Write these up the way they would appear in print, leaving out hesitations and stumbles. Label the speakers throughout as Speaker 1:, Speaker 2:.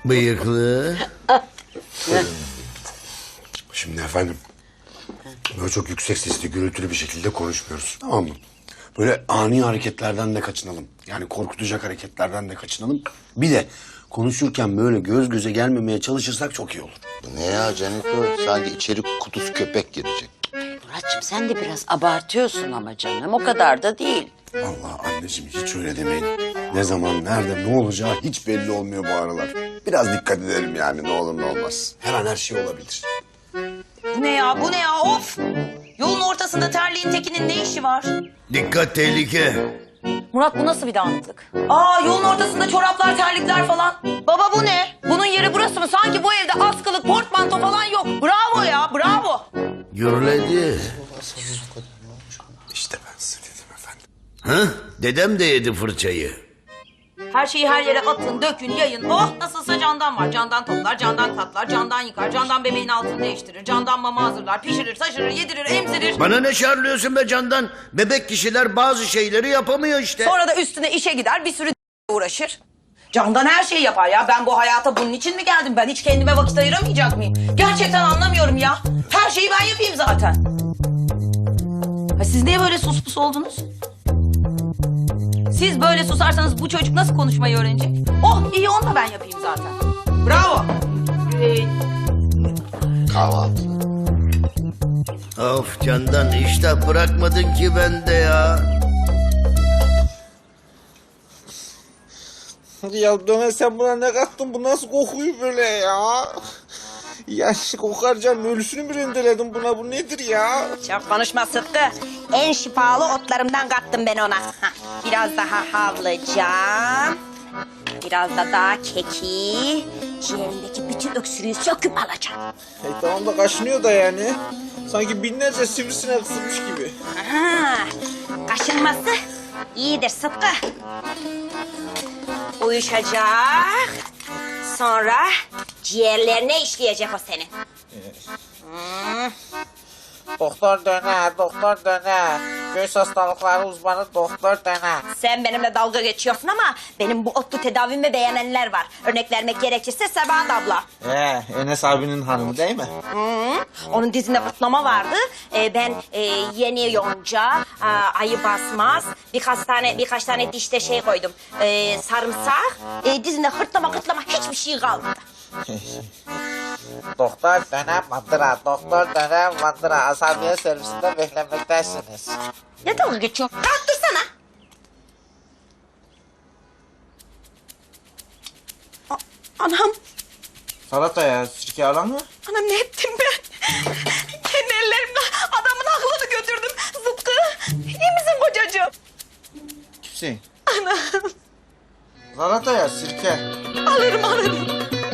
Speaker 1: Bıyıklı.
Speaker 2: Şimdi efendim, böyle çok yüksek sesli, gürültülü bir şekilde konuşmuyoruz, tamam mı? Böyle ani hareketlerden de kaçınalım. Yani korkutacak hareketlerden de kaçınalım. Bir de konuşurken böyle göz göze gelmemeye çalışırsak çok iyi olur.
Speaker 3: Ne ya Caniko? Sanki içeri kutusu köpek girecek.
Speaker 4: Muratçım sen de biraz abartıyorsun ama canım. O kadar da değil.
Speaker 2: Vallahi anneciğim hiç öyle demeyin. Ne zaman, nerede, ne olacağı hiç belli olmuyor bu aralar. Biraz dikkat edelim yani, ne olur ne olmaz. Her an her şey olabilir.
Speaker 5: Bu ne ya, bu ne ya, of! Yolun ortasında terliğin tekinin ne işi var?
Speaker 1: Dikkat tehlike.
Speaker 5: Murat bu nasıl bir dağınıklık? Aa, yolun ortasında çoraplar, terlikler falan. Baba bu ne? Bunun yeri burası mı? Sanki bu evde askılık, portmanto falan yok. Bravo ya, bravo.
Speaker 1: Gürledi.
Speaker 2: İşte ben size dedim efendim.
Speaker 1: Ha? Dedem de yedi fırçayı.
Speaker 5: Her şeyi her yere atın, dökün, yayın. Oh, nasılsa candan var. Candan toplar, candan katlar, candan yıkar, candan bebeğin altını değiştirir, candan mama hazırlar, pişirir, taşırır, yedirir, emzirir.
Speaker 1: Bana ne şarlıyorsun be Candan? Bebek kişiler bazı şeyleri yapamıyor işte.
Speaker 5: Sonra da üstüne işe gider, bir sürü uğraşır. Candan her şeyi yapar ya. Ben bu hayata bunun için mi geldim? Ben hiç kendime vakit ayıramayacak mıyım? Gerçekten anlamıyorum ya. Her şeyi ben yapayım zaten. Ha, siz niye böyle sus pus oldunuz? Siz böyle susarsanız bu çocuk nasıl konuşmayı öğrenecek? Oh iyi, onu da ben yapayım zaten. Bravo.
Speaker 3: Kahvaltı.
Speaker 1: Of Candan, iştah bırakmadın ki bende ya.
Speaker 6: Ya Döne sen buna ne kattın? Bu nasıl kokuyor böyle ya? Ya kokar canım, ölüsünü mü rendeledin buna? Bu nedir ya?
Speaker 7: Çok konuşma Sıtkı. En şifalı otlarımdan kattım ben ona. Hah, biraz daha havlayacağım. Biraz da daha keki. Ciğerindeki bütün öksürüğü söküp alacağım.
Speaker 6: Tamam da kaşınıyor da yani. Sanki binlerce sivrisinek ısırmış gibi.
Speaker 7: Aha, kaşınması iyidir Sıtkı. Uyuşacak. Sonra ciğerlerine işleyecek o senin.
Speaker 6: Doktor Döne, doktor Döne. Göğüs hastalıkları uzmanı doktor Döne.
Speaker 7: Sen benimle dalga geçiyorsun ama benim bu otlu tedavimi beğenenler var. Örnek vermek gerekirse Sebahat abla.
Speaker 6: Enes abinin hanımı değil mi?
Speaker 7: Onun dizinde kutlama vardı. Ben yeni yonca, ayı basmaz, birkaç tane dişte şey koydum. Sarımsak, dizinde hırtlama hiçbir şey kalmadı.
Speaker 6: Doktor Döne Mandıra, doktor Döne Mandıra. Asabiye servisinde beklemektesiniz.
Speaker 7: Ne dalga geçiyorsun? Kalk dursana. Anam,
Speaker 6: Salataya sirke alan mı?
Speaker 7: anam ne ettim ben? Kendi ellerimle adamın aklını götürdüm. Zıpkı, iyi misin kocacığım?
Speaker 6: Kimsin? Anam. Salataya sirke.
Speaker 7: Alırım.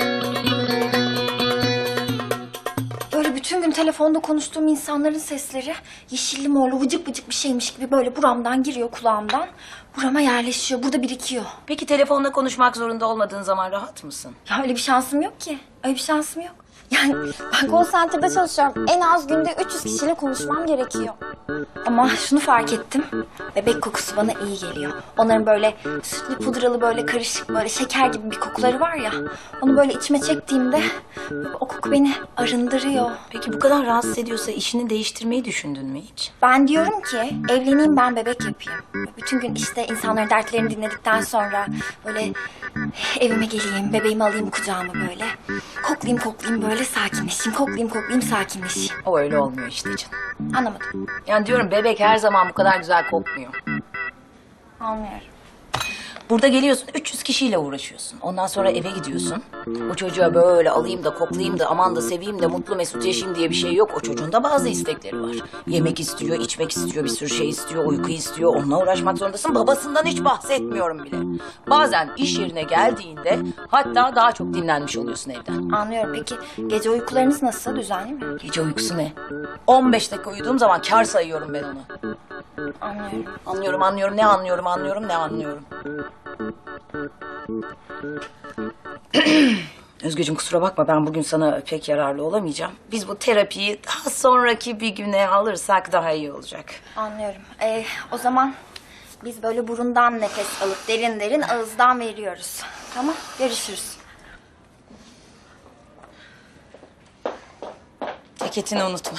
Speaker 8: Böyle bütün gün telefonda konuştuğum insanların sesleri yeşilli morlu vıcık vıcık bir şeymiş gibi böyle buramdan giriyor kulağımdan. Burama yerleşiyor, burada birikiyor.
Speaker 5: Peki telefonla konuşmak zorunda olmadığın zaman rahat mısın?
Speaker 8: Ya öyle bir şansım yok ki. Öyle bir şansım yok. Yani ben konsantrede çalışıyorum. En az günde 300 kişiyle konuşmam gerekiyor. Ama şunu fark ettim. Bebek kokusu bana iyi geliyor. Onların böyle sütlü pudralı böyle karışık böyle şeker gibi bir kokuları var ya. Onu böyle içime çektiğimde o koku beni arındırıyor.
Speaker 5: Peki bu kadar rahatsız ediyorsa işini değiştirmeyi düşündün mü hiç?
Speaker 8: Ben diyorum ki evleneyim ben bebek yapayım. Bütün gün işte insanların dertlerini dinledikten sonra böyle evime geleyim, bebeğimi alayım kucağıma böyle. Koklayayım böyle sakinleşeyim, koklayayım sakinleşeyim.
Speaker 5: O öyle olmuyor işte canım.
Speaker 8: Anlamadım.
Speaker 5: Yani diyorum bebek her zaman bu kadar güzel kokmuyor.
Speaker 8: Anlıyorum.
Speaker 5: Burada geliyorsun 300 kişiyle uğraşıyorsun. Ondan sonra eve gidiyorsun. O çocuğa böyle alayım da koklayayım da aman da seveyim de mutlu mesut yaşayayım diye bir şey yok. O çocuğun da bazı istekleri var. Yemek istiyor, içmek istiyor, bir sürü şey istiyor, uyku istiyor. Onunla uğraşmak zorundasın. Babasından hiç bahsetmiyorum bile. Bazen iş yerine geldiğinde hatta daha çok dinlenmiş oluyorsun evden.
Speaker 8: Anlıyorum. Peki gece uykularınız nasıl? Düzenli mi?
Speaker 5: Gece uykusu ne? 15 dakika uyuduğum zaman kar sayıyorum ben onu.
Speaker 8: Anlıyorum.
Speaker 5: Anlıyorum. Ne anlıyorum. Özgeciğim kusura bakma ben bugün sana pek yararlı olamayacağım. Biz bu terapiyi daha sonraki bir güne alırsak daha iyi olacak.
Speaker 8: Anlıyorum. O zaman biz böyle burundan nefes alıp derin derin ağızdan veriyoruz. Tamam, görüşürüz.
Speaker 5: Ceketini unutma.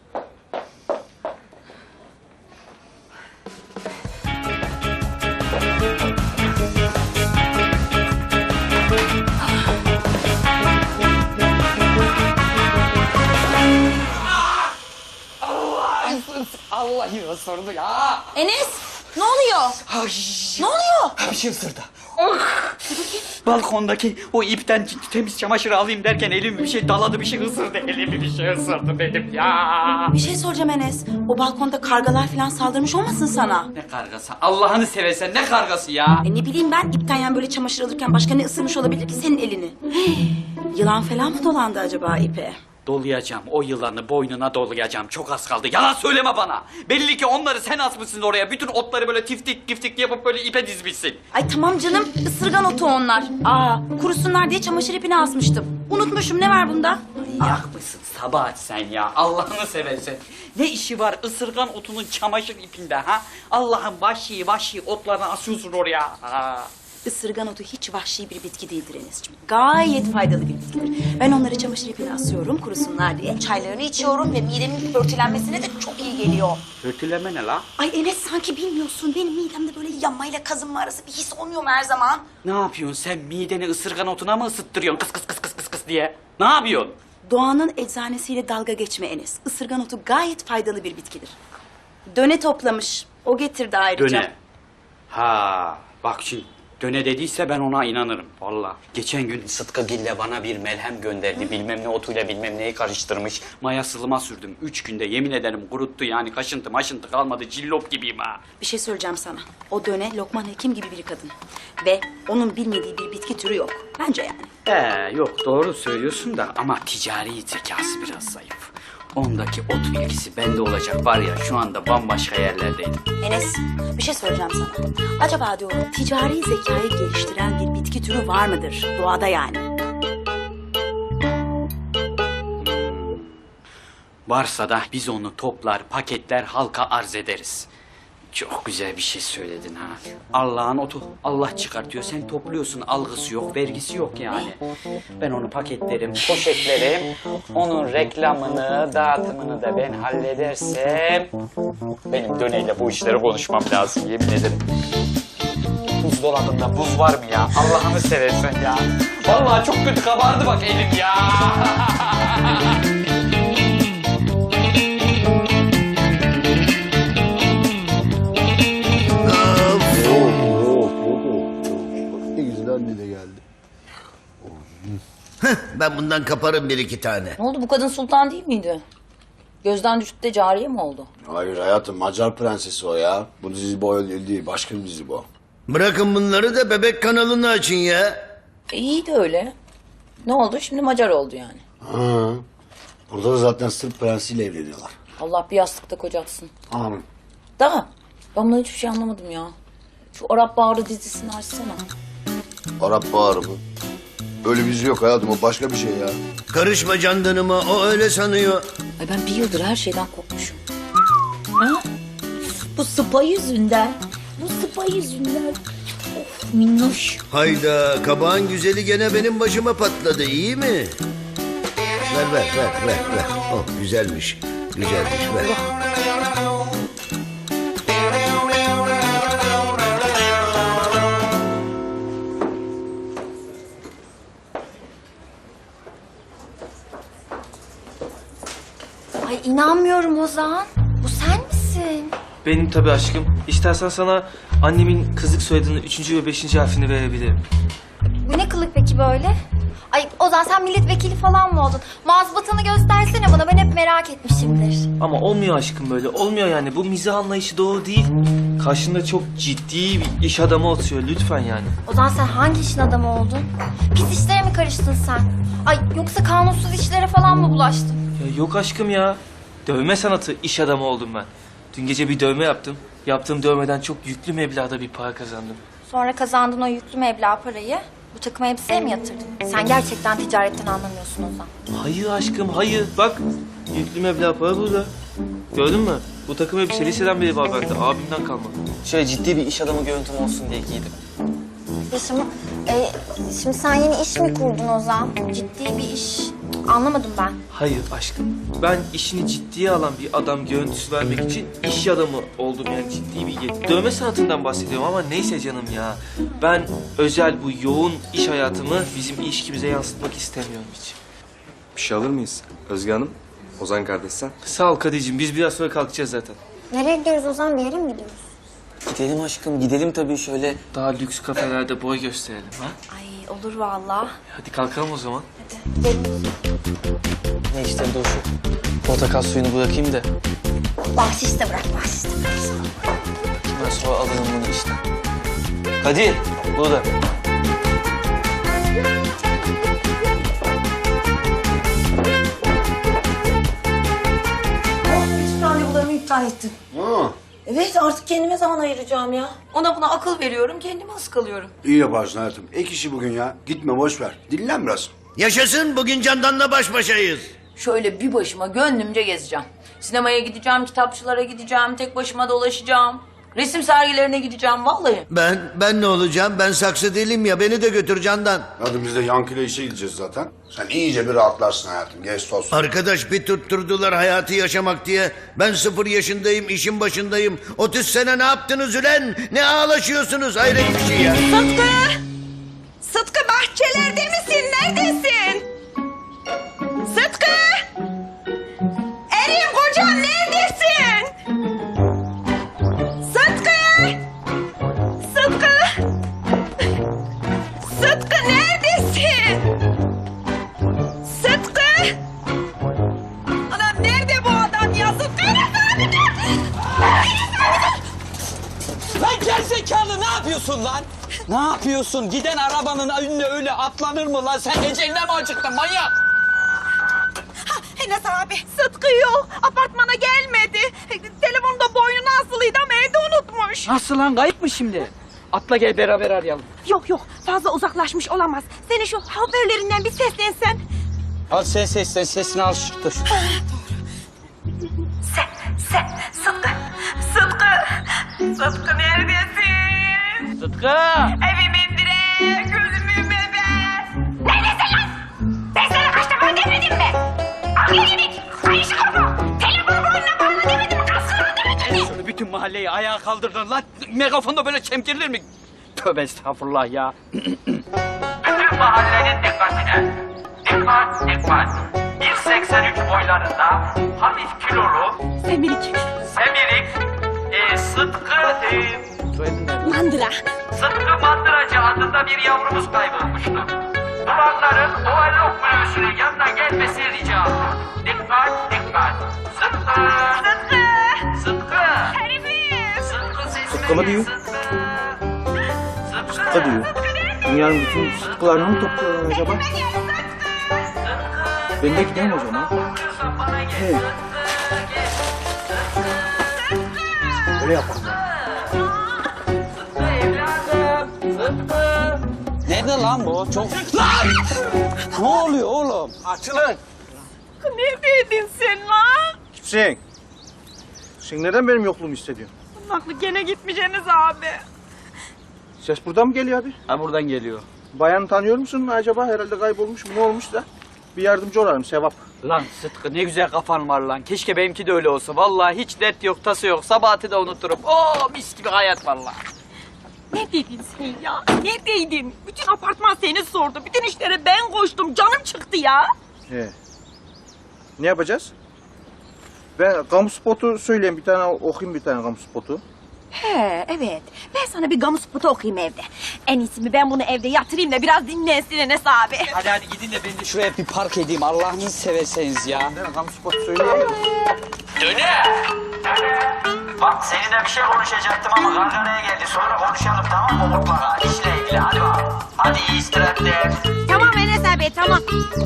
Speaker 9: Vallahi ısırdı ya.
Speaker 5: Enes, ne oluyor?
Speaker 9: Ay,
Speaker 5: Ne oluyor?
Speaker 9: bir şey ısırdı. Balkondaki o ipten temiz çamaşır alayım derken elimi bir şey daladı, bir şey ısırdı. Elimi bir şey ısırdı benim ya.
Speaker 5: Bir şey soracağım Enes. O balkonda kargalar falan saldırmış olmasın sana?
Speaker 9: Ne kargası? Allah'ını seversen ne kargası ya?
Speaker 5: Ne bileyim ben, ipten yani böyle çamaşır alırken başka ne ısırmış olabilir ki senin elini? Yılan falan mı dolandı acaba ipe?
Speaker 9: Dolayacağım, o yılanı boynuna dolayacağım. Çok az kaldı. Yalan söyleme bana. Belli ki onları sen asmışsın oraya. Bütün otları böyle tiftik tiftik yapıp böyle ipe dizmişsin.
Speaker 5: Ay tamam canım, ısırgan otu onlar. Kurusunlar diye çamaşır ipini asmıştım. Unutmuşum, ne var bunda?
Speaker 9: Yak mısın Sabahat sen ya? Allah'ını seversen. Ne işi var ısırgan otunun çamaşır ipinde ha? Allah'ın vahşi otlarını asıyorsun oraya. Ha.
Speaker 5: Isırgan otu hiç vahşi bir bitki değildir Enes'ciğim. Gayet faydalı bir bitkidir. Ben onları çamaşır ipine asıyorum kurusunlar diye. Çaylarını içiyorum ve midemin börtülenmesine de çok iyi geliyor.
Speaker 9: Kötüleme ne la?
Speaker 5: Ay Enes sanki bilmiyorsun. Benim midemde böyle yanmayla kazınma arası bir his olmuyor mu her zaman?
Speaker 9: Ne yapıyorsun sen mideni ısırgan otuna mı ısıttırıyorsun kıs kıs kıs kıs kıs kıs diye? Ne yapıyorsun?
Speaker 5: Doğanın eczanesiyle dalga geçme Enes. Isırgan otu gayet faydalı bir bitkidir. Döne toplamış. O getirdi ayrıca.
Speaker 9: Döne. Ha bak şimdi döne dediyse ben ona inanırım vallahi. Geçen gün Sıtkı Gille bana bir melhem gönderdi. Bilmem ne otuyla bilmem neyi karıştırmış. Maya sılıma sürdüm. 3 günde yemin ederim kuruttu yani kaşıntı maşıntı kalmadı. Cillop gibiyim ha.
Speaker 5: Bir şey söyleyeceğim sana. O Döne Lokman Hekim gibi bir kadın. Ve onun bilmediği bir bitki türü yok. Bence yani.
Speaker 9: Yok doğru söylüyorsun da ama ticari zekası biraz zayıf. Ondaki ot bilgisi bende olacak var ya şu anda bambaşka yerlerdeydim.
Speaker 5: Enes, bir şey söyleyeceğim sana. Acaba diyorum ticari zekayı geliştiren bir bitki türü var mıdır? Doğada yani.
Speaker 9: Varsa da biz onu toplar, paketler, halka arz ederiz. Çok güzel bir şey söyledin ha. Allah'ın otu. Allah çıkartıyor. Sen topluyorsun. Algısı yok, vergisi yok yani. Ben onu paketlerim, poşetlerim. Onun reklamını, dağıtımını da ben halledersem... Benim Döne'yle bu işleri konuşmam lazım yemin ederim. Buzdolabında buz var mı ya? Allah'ını seversen ya. Vallahi çok kötü kabardı bak elim ya.
Speaker 2: Ne güzel anne de geldi.
Speaker 1: Ben bundan kaparım bir iki tane.
Speaker 5: Ne oldu, bu kadın sultan değil miydi? Gözden düşüp de cariye mi oldu?
Speaker 2: Hayır hayatım, Macar prensesi o ya. Bu dizi bu öyle değil, başka bir dizi bu.
Speaker 1: Bırakın bunları da bebek kanalını açın ya.
Speaker 5: İyi de öyle. Ne oldu? Şimdi Macar oldu yani.
Speaker 2: Ha. Burada da zaten Sırp prensiyle evleniyorlar.
Speaker 5: Allah bir yastıkta kocatsın.
Speaker 2: Amin.
Speaker 5: Da ben bundan hiçbir şey anlamadım ya. Şu Arap Bağrı dizisini açsana.
Speaker 3: Arap Baharı mı? Öyle bir dizi yok hayatım, o başka bir şey ya.
Speaker 1: Karışma candanıma, o öyle sanıyor.
Speaker 5: Ay ben bir yıldır her şeyden korkmuşum. Ha? Bu sıpa yüzünden. Bu sıpa yüzünden. Of minnoş.
Speaker 1: Hayda, kabağın güzeli gene benim başıma patladı, iyi mi? Ver. Oh, güzelmiş, ver.
Speaker 8: Ay inanmıyorum Ozan. Bu sen misin?
Speaker 10: Benim tabii aşkım. İstersen sana annemin kızlık soyadının 3. ve 5. harfini verebilirim.
Speaker 8: Bu ne kılık peki böyle? Ay Ozan sen milletvekili falan mı oldun? Mazbatanı göstersene bana, ben hep merak etmişimdir.
Speaker 10: Ama olmuyor aşkım böyle. Olmuyor yani. Bu mizah anlayışı doğru değil. Karşında çok ciddi bir iş adamı oturuyor. Lütfen yani.
Speaker 8: Ozan sen hangi işin adamı oldun? Pis işlere mi karıştın sen? Ay yoksa kanunsuz işlere falan mı bulaştın?
Speaker 10: Ya yok aşkım ya. Dövme sanatı iş adamı oldum ben. Dün gece bir dövme yaptım. Yaptığım dövmeden çok yüklü meblağda bir para kazandım.
Speaker 8: Sonra kazandığın o yüklü meblağ parayı bu takım elbiseye mi yatırdın? Sen gerçekten ticaretten anlamıyorsun Ozan.
Speaker 10: Hayır aşkım hayır. Bak yüklü meblağ para burada. Gördün mü? Bu takım elbise liseden beri var bende. Abimden kalma. Şöyle ciddi bir iş adamı görüntüm olsun diye giydim.
Speaker 8: Şimdi sen yeni iş mi kurdun Ozan? Ciddi bir iş. Anlamadım ben.
Speaker 10: Hayır aşkım. Ben işini ciddiye alan bir adam görüntüsü vermek için iş adamı oldum yani ciddi bir dövme sanatından bahsediyorum ama neyse canım ya. Ben özel bu yoğun iş hayatımı bizim ilişkimize yansıtmak istemiyorum hiç.
Speaker 11: Bir şey alır mıyız? Özge Hanım, Ozan kardeş sen.
Speaker 10: Sağ ol Kadir'cim biz biraz sonra kalkacağız zaten.
Speaker 8: Nereye gidiyoruz Ozan? Bir yere mi gidiyoruz?
Speaker 10: Gidelim aşkım gidelim tabii şöyle daha lüks kafelerde boy gösterelim ha.
Speaker 8: Ay olur vallahi.
Speaker 10: Hadi kalkalım o zaman.
Speaker 8: Gidelim.
Speaker 10: Ne işte dur şu portakal suyunu bırakayım da.
Speaker 8: Bahşiş de bırak, bahşiş de bırak.
Speaker 10: Ben sonra alırım bunu işte. Kadir burada.
Speaker 5: Bütün randevularımı iptal ettim. Evet artık kendime zaman ayıracağım ya. Ona buna akıl veriyorum, kendime ıskalıyorum.
Speaker 2: İyi yaparsın hayatım. Ek işi bugün ya. Gitme boş ver. Dinlen biraz.
Speaker 1: Yaşasın, bugün Candan'la baş başayız.
Speaker 5: Şöyle bir başıma gönlümce gezeceğim. Sinemaya gideceğim, kitapçılara gideceğim, tek başıma dolaşacağım. Resim sergilerine gideceğim vallahi.
Speaker 1: Ben ne olacağım? Ben saksı değilim ya, beni de götür Candan.
Speaker 2: Hadi biz de Yankı'yla işe gideceğiz zaten. Sen iyice bir rahatlarsın hayatım. Gez toz.
Speaker 1: Arkadaş bir tutturdular hayatı yaşamak diye. Ben 0 yaşındayım, işin başındayım. 30 sene ne yaptınız ulan? Ne ağlaşıyorsunuz? Hayret bir şey ya.
Speaker 7: Sıtkı! Sıtkı bahçelerde misin? Neredesin? Sıtkı! Erim kocam neredesin? Sıtkı! Sıtkı! Sıtkı neredesin? Sıtkı! Anam nerede bu adam ya? Sıtkı nerede?
Speaker 12: Lan gerizekalı ne yapıyorsun lan? Ne yapıyorsun? Giden arabanın önüne öyle atlanır mı lan? Sen eceline mi acıktın manyak?
Speaker 7: Enes abi Sıtkı yok. Apartmana gelmedi. Telefonda boynuna asılıydı ama evde unutmuş.
Speaker 9: Nasıl lan kayıp mı şimdi? Atla gel beraber arayalım.
Speaker 7: Yok yok fazla uzaklaşmış olamaz. Senin şu haberlerinden bir seslensen.
Speaker 12: Al sen seslen sesini al dur.
Speaker 7: Sıtkı. Sıtkı neredesin?
Speaker 9: Sıtkı!
Speaker 7: Evimin direği, gözümün bebeği. Neredesin lan? Ben sana kaç defa demedim mi? Aklı yedik. Ayşe korku. Telefonu boynuna bağlı demedim mi? Kaskını demedim mi?
Speaker 9: Şöyle bütün mahalleyi ayağa kaldırdın lan. Megafonda böyle çemkirilir mi? Tövbe estağfurullah ya.
Speaker 13: Bütün mahallenin dikkatine. Dikkat. 1.83 boylarında hafif kilolu
Speaker 7: Semirik.
Speaker 13: Sıtkı
Speaker 7: Mandıra.
Speaker 13: Sıtkı Mandıracı adında bir yavrumuz kaybolmuştu. Duvarların overlock minibüsünün yanına gelmesi rica olunur. Dikkat. Sıtkı.
Speaker 7: Herifim.
Speaker 13: Sıtkı
Speaker 10: mı diyor? Sıtkı diyor. Dünyanın bütün sıtkılarını mı topluyorlar acaba? Ben de gideyim o zaman. Hey. Öyle yapalım.
Speaker 12: Nerede lan bu? Çok... Lan! Ne oluyor oğlum?
Speaker 11: Açılın.
Speaker 7: Neredeydin sen lan?
Speaker 6: Sen neden benim yokluğumu hissediyorsun?
Speaker 7: Aklı gene gitmiş Enes abi.
Speaker 6: Ses buradan mı geliyor abi?
Speaker 9: Ha buradan geliyor.
Speaker 6: Bayanı tanıyor musun acaba? Herhalde kaybolmuş mu? Ne olmuş da? Bir yardımcı olalım sevap.
Speaker 9: Lan Sıtkı ne güzel kafan var lan. Keşke benimki de öyle olsa. Vallahi hiç dert yok, tası yok. Sabahatı da unuturum. Oo mis gibi hayat vallahi.
Speaker 7: Neredeydin sen ya? Neredeydin? Bütün apartman seni sordu. Bütün işlere ben koştum. Canım çıktı ya.
Speaker 6: Ne yapacağız? Ben kamu spotu söyleyeyim bir tane okuyayım bir tane kamu spotu.
Speaker 7: He evet. Ben sana bir gamu spotu okuyayım evde. En iyisi mi ben bunu evde yatırayım da biraz dinlensin Enes abi.
Speaker 12: Hadi gidin de ben de şuraya bir park edeyim. Allah'ını severseniz ya.
Speaker 6: Ben kamu spotu söyleyeyim.
Speaker 13: Döne. Bak seninle bir şey konuşacaktım ama kargaraya geldi. Sonra konuşalım tamam mı mutlaka? İşle ilgili hadi bak. Hadi iyi istirahatler.
Speaker 7: Tamam Enes abi tamam.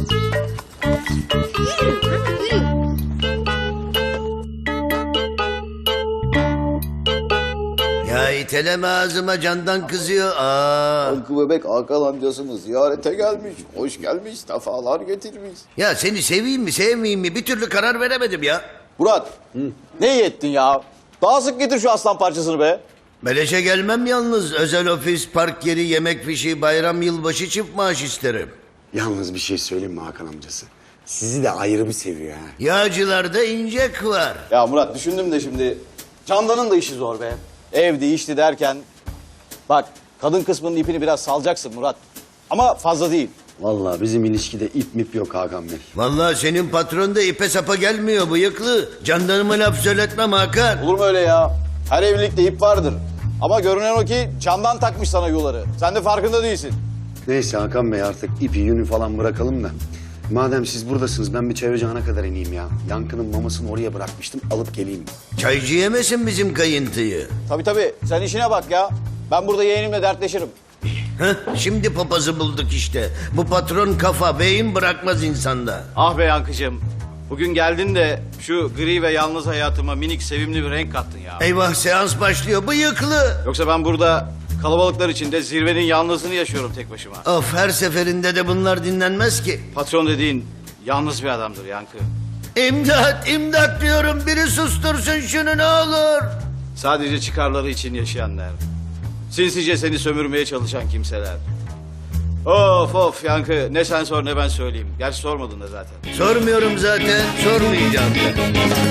Speaker 1: Ya iteleme ağzıma, Candan kızıyor.
Speaker 3: Hakkı bebek Hakan amcasını ziyarete gelmiş. Hoş gelmiş, sefalar getirmiş.
Speaker 1: Ya seni seveyim mi sevmeyeyim mi bir türlü karar veremedim ya.
Speaker 14: Murat, ne iyi ettin ya? Daha sık getir şu aslan parçasını be.
Speaker 1: Beleşe gelmem yalnız. Özel ofis, park yeri, yemek fişi, bayram, yılbaşı çift maaş isterim.
Speaker 2: Yalnız bir şey söyleyeyim mi Hakan amcası? sizi de ayrı bir seviyor ha.
Speaker 1: Yağcılarda incek var.
Speaker 14: Ya Murat düşündüm de şimdi Candan'ın da işi zor be. Evdi işti derken. Bak kadın kısmının ipini biraz salacaksın Murat. Ama fazla değil.
Speaker 2: Vallahi bizim ilişkide ip mip yok Hakan Bey.
Speaker 1: Vallahi senin patron da ipe sapa gelmiyor bıyıklı. Candanıma laf söyletmem Hakan.
Speaker 14: Olur mu öyle ya? Her evlilikte ip vardır. Ama görünen o ki Candan takmış sana yuları. Sen de farkında değilsin.
Speaker 2: Neyse Hakan Bey artık ipi yünü falan bırakalım da. Madem siz buradasınız ben bir Çevrecihana kadar ineyim ya. Yankı'nın mamasını oraya bırakmıştım alıp geleyim.
Speaker 1: Çaycı yemesin bizim kayıntıyı.
Speaker 14: Tabii sen işine bak ya. Ben burada yeğenimle dertleşirim.
Speaker 1: Heh, şimdi papazı bulduk işte. Bu patron kafa, beyin bırakmaz insanda.
Speaker 14: Ah be Yankıcığım. Bugün geldin de şu gri ve yalnız hayatıma minik sevimli bir renk kattın ya.
Speaker 1: Eyvah seans başlıyor bıyıklı.
Speaker 14: Yoksa ben burada kalabalıklar içinde zirvenin yalnızlığını yaşıyorum tek başıma.
Speaker 1: Of her seferinde de bunlar dinlenmez ki.
Speaker 14: Patron dediğin yalnız bir adamdır Yankı.
Speaker 1: İmdat diyorum biri sustursun şunu ne olur.
Speaker 14: Sadece çıkarları için yaşayanlar. Sinsice seni sömürmeye çalışan kimseler. Of Yankı ne sen sor ne ben söyleyeyim. Gerçi sormadın da zaten.
Speaker 1: Sormuyorum zaten sormayacağım da.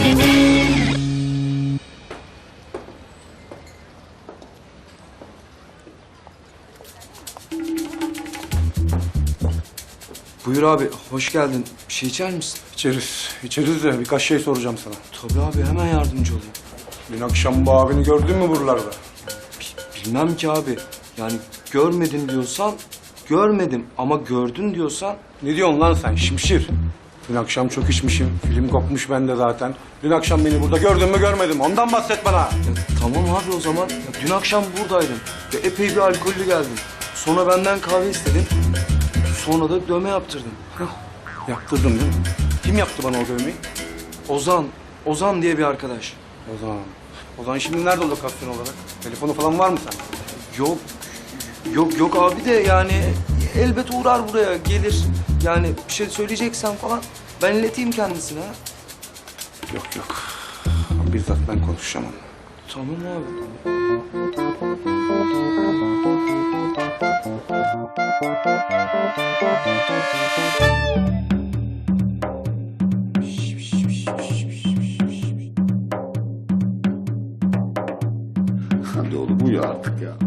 Speaker 11: Buyur abi, hoş geldin. Bir şey içer misin?
Speaker 15: İçeriz de birkaç şey soracağım sana.
Speaker 11: Tabii abi, hemen yardımcı olayım.
Speaker 15: Dün akşam bu abini gördün mü buralarda?
Speaker 11: Bilmem ki abi. Yani görmedim diyorsan görmedim ama gördün diyorsan...
Speaker 15: Ne diyorsun lan sen şimşir? Dün akşam çok içmişim. Film kopmuş bende zaten. Dün akşam beni burada gördün mü görmedim. Ondan bahset bana.
Speaker 11: Tamam abi o zaman. Ya, dün akşam buradaydın. Ya, epey bir alkollü geldin. Sonra benden kahve istedin. Sonra da dövme yaptırdın.
Speaker 15: Yaptırdın değil mi? Kim yaptı bana o dövmeyi?
Speaker 11: Ozan diye bir arkadaş.
Speaker 15: Ozan şimdi nerede lokasyon olarak? Telefonu falan var mı sen?
Speaker 11: Yok abi de yani elbet uğrar buraya gelir. Yani bir şey söyleyeceksen falan ben ileteyim kendisine. Ha?
Speaker 15: Yok. Bizzat ben konuşacağım onunla.
Speaker 11: Tamam abi.
Speaker 2: Hadi oğlum uyu artık ya.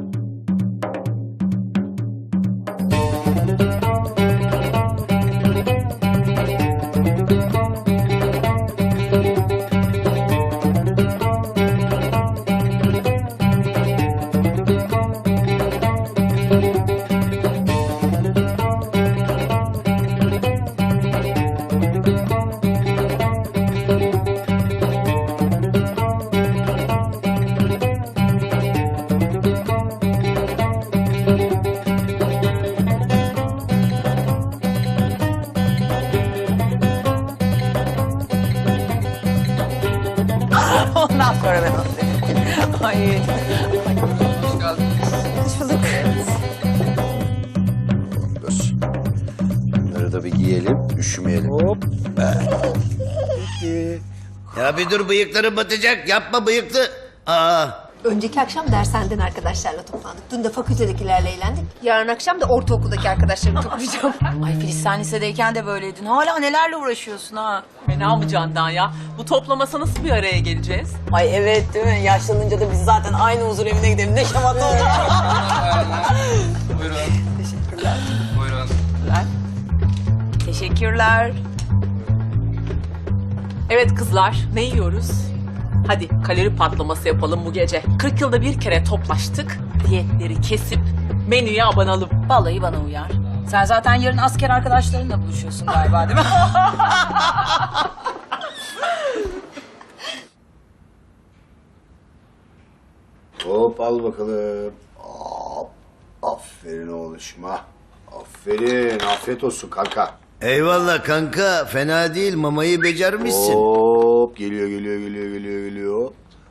Speaker 5: Ondan sonra ben onu Ay.
Speaker 8: Hoş bulduk.
Speaker 2: Bunları da bir giyelim, üşümeyelim. Hop.
Speaker 1: Ya bir dur bıyıkları batacak yapma bıyıklı. Aa.
Speaker 16: Önceki akşam dershaneden arkadaşlarla toplandık. Dün de fakültedekilerle eğlendik. Yarın akşam da ortaokuldaki arkadaşlarımı toplayacağım.
Speaker 5: Ay Filiz sen lisedeyken de böyleydin. Hala nelerle uğraşıyorsun ha?
Speaker 17: Fena mı Candan ya? Bu toplamasa nasıl bir araya geleceğiz?
Speaker 5: Ay evet değil mi? Yaşlanınca da biz zaten aynı huzur evine gidelim. Ne şamata oldu.
Speaker 11: Buyurun.
Speaker 5: Teşekkürler.
Speaker 11: Buyurun.
Speaker 5: Teşekkürler.
Speaker 17: Evet kızlar, ne yiyoruz? Hadi kalori patlaması yapalım bu gece. 40 yılda bir kere toplaştık. Diyetleri kesip menüye abanalım.
Speaker 5: Vallahi bana uyar. Sen zaten yarın asker arkadaşlarınla buluşuyorsun galiba değil mi?
Speaker 2: Hop al bakalım. Hop. Aferin oğluşuma. Aferin. Afiyet olsun kanka.
Speaker 1: Eyvallah kanka fena değil mamayı becermişsin.
Speaker 2: Hop geliyor.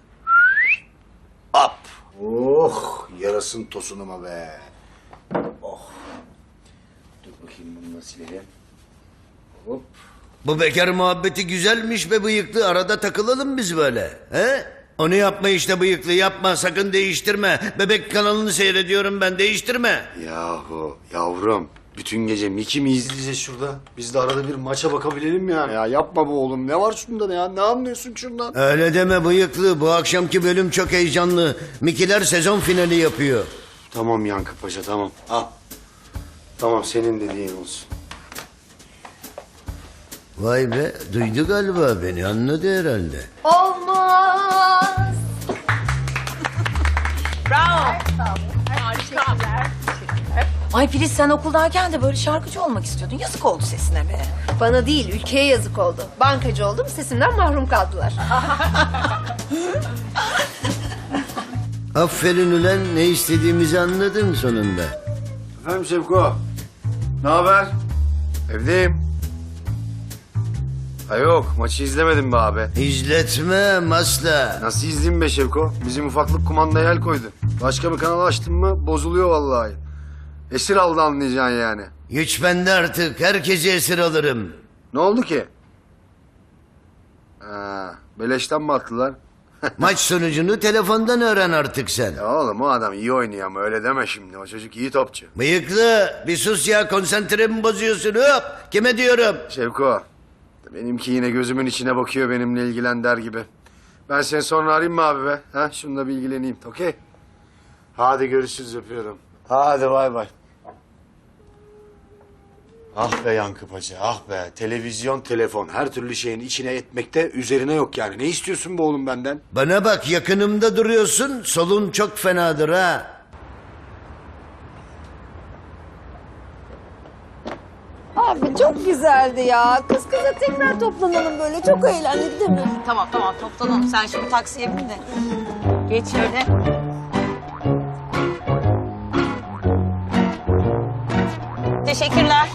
Speaker 2: Hop. Oh yarasın tosunuma be. Oh. Dur bakayım bunu nasıl silelim. Hop.
Speaker 1: Bu bekar muhabbeti güzelmiş be bıyıklı arada takılalım biz böyle. He? Onu yapma işte bıyıklı yapma sakın değiştirme. Bebek kanalını seyrediyorum ben değiştirme.
Speaker 2: Yahu yavrum bütün gece Miki mi izleyeceğiz şurada? Biz de arada bir maça bakabilelim yani. Ya yapma bu oğlum. Ne var şunda ya? Ne anlıyorsun şundan?
Speaker 1: Öyle deme bıyıklı. Bu akşamki bölüm çok heyecanlı. Mikiler sezon finali yapıyor.
Speaker 2: Tamam Yankı Paşa tamam. Al. Tamam senin dediğin olsun.
Speaker 1: Vay be, duydu galiba beni, anladı herhalde.
Speaker 16: Olmaz.
Speaker 5: Bravo. Ay Filiz, sen okuldayken de böyle şarkıcı olmak istiyordun. Yazık oldu sesine be.
Speaker 16: Bana değil, ülkeye yazık oldu. Bankacı oldum, sesimden mahrum kaldılar.
Speaker 1: Aferin ulan, ne istediğimizi anladın sonunda.
Speaker 2: Efendim Şevko. Ne haber? Evdeyim. Ha yok, maçı izlemedim be abi.
Speaker 1: İzletmem asla.
Speaker 2: Nasıl izleyeyim be Şevko? Bizim ufaklık kumandaya el koydu. Başka bir kanal açtın mı bozuluyor vallahi. Esir aldı anlayacaksın yani.
Speaker 1: Güç bende artık, herkesi esir alırım.
Speaker 2: Ne oldu ki? Ha, beleşten mi attılar?
Speaker 1: Maç sonucunu telefondan öğren artık sen.
Speaker 2: Ya oğlum o adam iyi oynuyor ama öyle deme şimdi. O çocuk iyi topçu.
Speaker 1: Bıyıklı, bir sus ya, konsantremi bozuyorsun. Hop, kime diyorum?
Speaker 2: Şevko, benimki yine gözümün içine bakıyor benimle ilgilen der gibi. Ben seni sonra arayayım mı abi be? Ha, şununla bir ilgileneyim, okey? Hadi görüşürüz, öpüyorum. Hadi bay bay. Ah be Yankı Paşa, ah be. Televizyon, telefon, her türlü şeyin içine etmekte üzerine yok yani. Ne istiyorsun be oğlum benden?
Speaker 1: Bana bak, yakınımda duruyorsun, solun çok fenadır ha.
Speaker 16: Abi çok güzeldi ya. Kız kıza tekrar toplanalım böyle. Çok eğlendik değil mi?
Speaker 5: Tamam toplanalım. Sen şimdi taksiye bin de. Geç şöyle. Teşekkürler.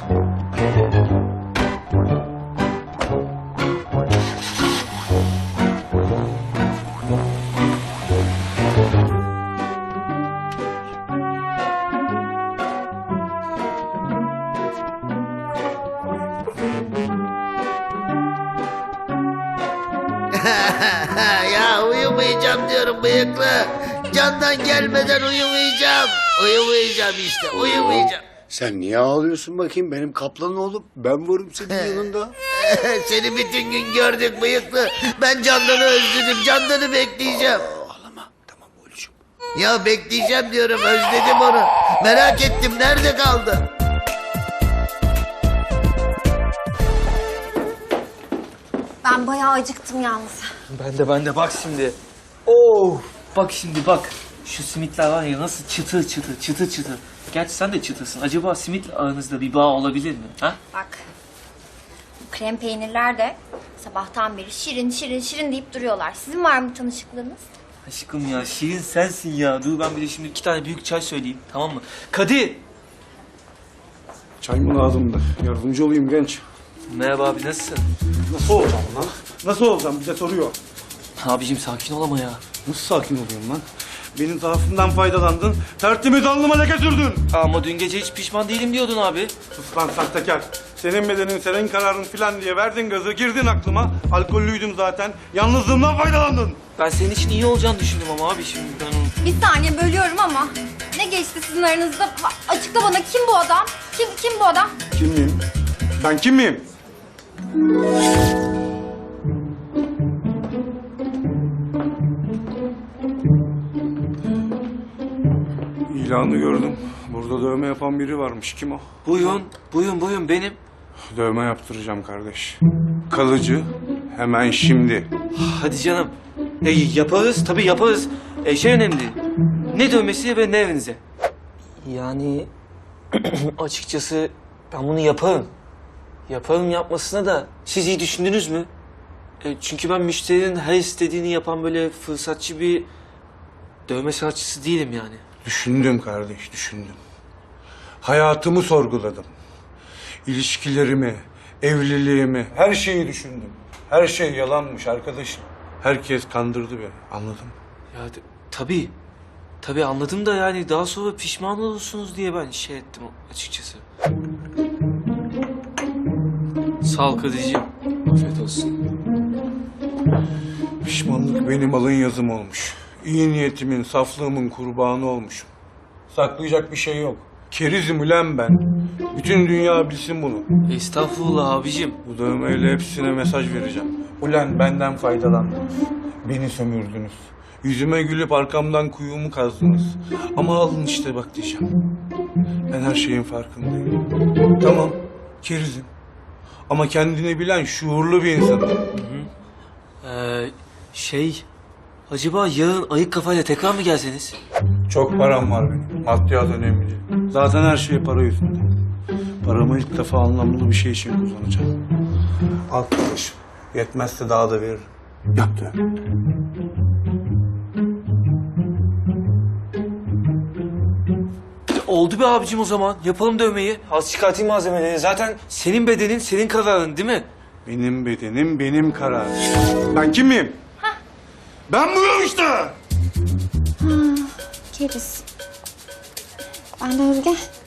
Speaker 1: Ya uyumayacağım diyorum bıyıklı. Candan gelmeden uyumayacağım. Uyumayacağım işte, uyumayacağım.
Speaker 2: Sen niye ağlıyorsun bakayım benim kaplan oğlum? Ben varım senin yanında.
Speaker 1: Seni bütün gün gördük bıyıklı. Ben Candan'ı özledim, Candan'ı bekleyeceğim.
Speaker 2: Ağlama, tamam oğlum.
Speaker 1: Ya bekleyeceğim diyorum, özledim onu. Merak ettim, nerede kaldı?
Speaker 8: Ben bayağı acıktım yalnız.
Speaker 10: Ben de bak şimdi. Oh, bak şimdi bak. Şu simitler var ya nasıl çıtır çıtır. Gerçi sen de çıtırsın. Acaba simitle aranızda bir bağ olabilir mi? Ha?
Speaker 8: Bak. Bu krem peynirler de sabahtan beri şirin deyip duruyorlar. Sizin var mı tanışıklığınız?
Speaker 10: Aşkım ya şirin sensin ya. Dur ben bir de şimdi 2 tane büyük çay söyleyeyim, tamam mı? Kadir!
Speaker 15: Çay mı lazımdı? Yardımcı olayım genç.
Speaker 10: Merhaba abi, nasılsın?
Speaker 15: Nasıl olacağım lan? Nasıl olacağım? Bize soruyor.
Speaker 10: Abicim sakin ol ama ya.
Speaker 15: Nasıl sakin oluyorum lan? Benim zaafımdan faydalandın, tertemiz alnıma leke sürdün.
Speaker 10: Ama dün gece hiç pişman değilim diyordun abi.
Speaker 15: Sus lan sahtekar. Senin bedenin, senin kararın filan diye verdin gazı, girdin aklıma. Alkollüydüm zaten. Yalnızlığımdan faydalandın.
Speaker 10: Ben senin için iyi olacağını düşündüm ama abi şimdi ben onu...
Speaker 8: Bir saniye bölüyorum ama ne geçti sizin aranızda? Açıkla bana, kim bu adam? Kim bu adam?
Speaker 15: Kim miyim? Ben kim miyim? İlanı gördüm. Burada dövme yapan biri varmış. Kim o?
Speaker 10: Buyurun benim.
Speaker 15: Dövme yaptıracağım kardeş. Kalıcı. Hemen şimdi.
Speaker 10: Hadi canım. Yaparız tabii yaparız. Şey önemli. Ne dövmesi ve ne evinize? Yani açıkçası ben bunu yaparım. Yaparım yapmasına da siz iyi düşündünüz mü? Çünkü ben müşterinin her istediğini yapan böyle fırsatçı bir dövme sanatçısı değilim yani.
Speaker 15: Düşündüm kardeş, düşündüm. Hayatımı sorguladım. İlişkilerimi, evliliğimi, her şeyi düşündüm. Her şey yalanmış arkadaşım. Herkes kandırdı beni, anladın mı?
Speaker 10: Ya tabii anladım da yani daha sonra pişman olursunuz diye ben şey ettim açıkçası. Sağ ol Kadir'ciğim. Afiyet olsun.
Speaker 15: Pişmanlık benim alın yazım olmuş. İyi niyetimin, saflığımın kurbanı olmuşum. Saklayacak bir şey yok. Kerizim ulan ben. Bütün dünya bilsin bunu.
Speaker 10: Estağfurullah abicim.
Speaker 15: Bu dövmeyle hepsine mesaj vereceğim. Ulan benden faydalandınız. Beni sömürdünüz. Yüzüme gülüp arkamdan kuyumu kazdınız. Ama alın işte bak diyeceğim. Ben her şeyin farkındayım. Tamam, kerizim. Ama kendini bilen şuurlu bir insanım.
Speaker 10: Acaba yarın ayık kafayla tekrar mı gelseniz?
Speaker 15: Çok param var benim. Maddiyat önemli değil. Zaten her şey para yüzünden. Paramı ilk defa anlamlı bir şey için kullanacağım. Al kardeşim. Yetmezse daha da veririm. Yaptı.
Speaker 10: Oldu be abicim o zaman. Yapalım dövmeyi. Az çıkartayım malzemeleri. Zaten senin bedenin, senin kararın değil mi?
Speaker 15: Benim bedenim, benim kararım. Ben kimim? Ben buyum işte.
Speaker 8: Keriz. Ben de Özge.